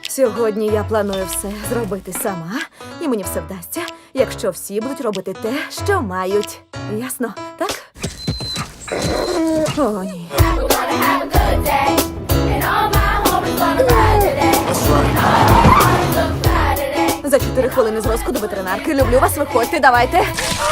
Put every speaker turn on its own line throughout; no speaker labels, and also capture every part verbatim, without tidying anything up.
Сьогодні я планую все зробити сама, і мені все вдасться, якщо всі будуть робити те, що мають. Ясно, так? О, ні. За чотири хвилини з розкладу ветеринарки. Люблю вас, виходьте, давайте.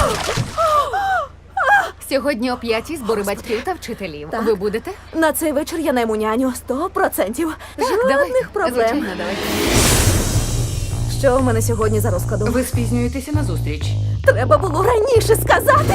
Сьогодні о п'ятій збори батьків та вчителів.
Так.
Ви будете?
На цей вечір я найму няню. Сто процентів.
Так,
Жодних
давайте.
проблем.
Звичайно, давайте.
Що в мене сьогодні за розкладом?
Ви спізнюєтеся на зустріч.
Треба було раніше сказати.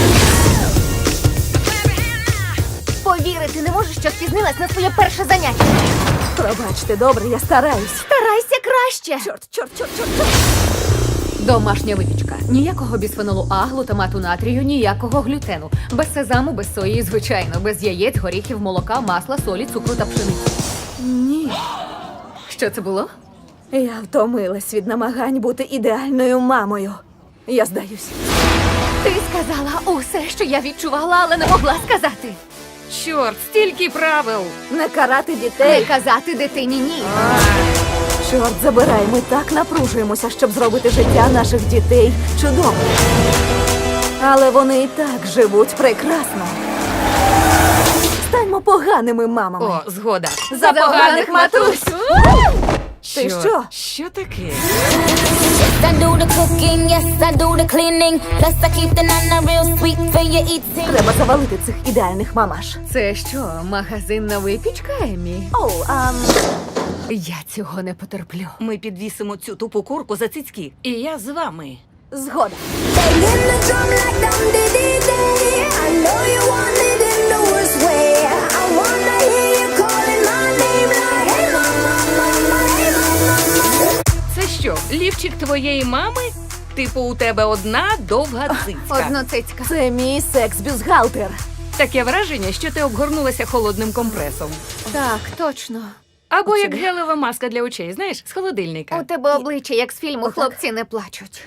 Повірити не можу, що спізнилась на своє перше заняття.
Пробачте, добре, я стараюсь.
Старайся краще.
Чорт, чорт, чорт, чорт, чорт.
Домашня випічка. Ніякого бісфенолу А, глутамату натрію, ніякого глютену. Без сезаму, без сої, звичайно, без яєць, горіхів, молока, масла, солі, цукру та пшениці.
Ні.
Що це було?
Я втомилась від намагань бути ідеальною мамою. Я здаюсь.
Ти сказала усе, що я відчувала, але не могла сказати.
Чорт, стільки правил!
Не карати
Не
дітей.
казати дитині ні.
Чорт забирай, ми так напружуємося, щоб зробити життя наших дітей чудовим. Але вони і так живуть прекрасно. Станьмо поганими мамами.
О, згода.
За поганих матусь! Ти
Чорт,
що?
Що таке?
I do the cooking, yes, I do the cleaning. Plus I keep the nana real sweet for your eating.
Треба завалити цих ідеальних мамаш.
Це що, магазинна випічка, Емі?
О, а...
Я цього не потерплю.
Ми підвісимо цю тупу курку за цицьки. І я з вами.
Згода.
Banging the drum like dum dee dee day. I know you want it in the worst way. I wanna hear you calling my name like hey mama, mama, hey mama.
Це що, лівчик твоєї мами? Типу, у тебе одна довга цицька.
Одноцицька.
Це мій секс-бюстгальтер.
Таке враження, що ти обгорнулася холодним компресом.
Так, точно.
Або як гелева маска для очей, знаєш, з холодильника.
У тебе обличчя, як з фільму «Хлопці не плачуть».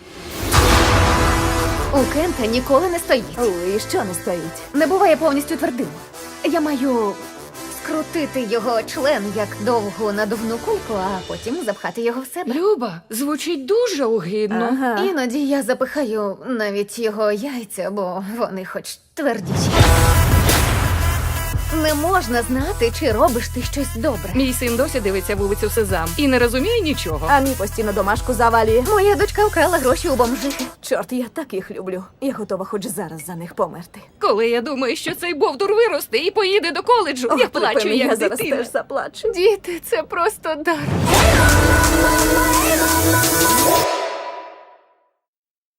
У Кента ніколи не стоїть.
Ой, і що не стоїть?
Не буває повністю твердим. Я маю скрутити його член як довгу надувну кульку, а потім запхати його в себе.
Люба, звучить дуже огидно.
Ага.
Іноді я запихаю навіть його яйця, бо вони хоч твердіші. Не можна знати, чи робиш ти щось добре.
Мій син досі дивиться вулицю Сезам і не розуміє нічого.
А мій постійно домашку завалює.
Моя дочка вкрала гроші у бомжихи.
Чорт, я так їх люблю. Я готова хоч зараз за них померти.
Коли я думаю, що цей бовдур виросте і поїде до коледжу, я
Ох,
плачу,
припини,
як
я зараз
дитина.
теж заплачу.
Діти, це просто дар.
Hey mama,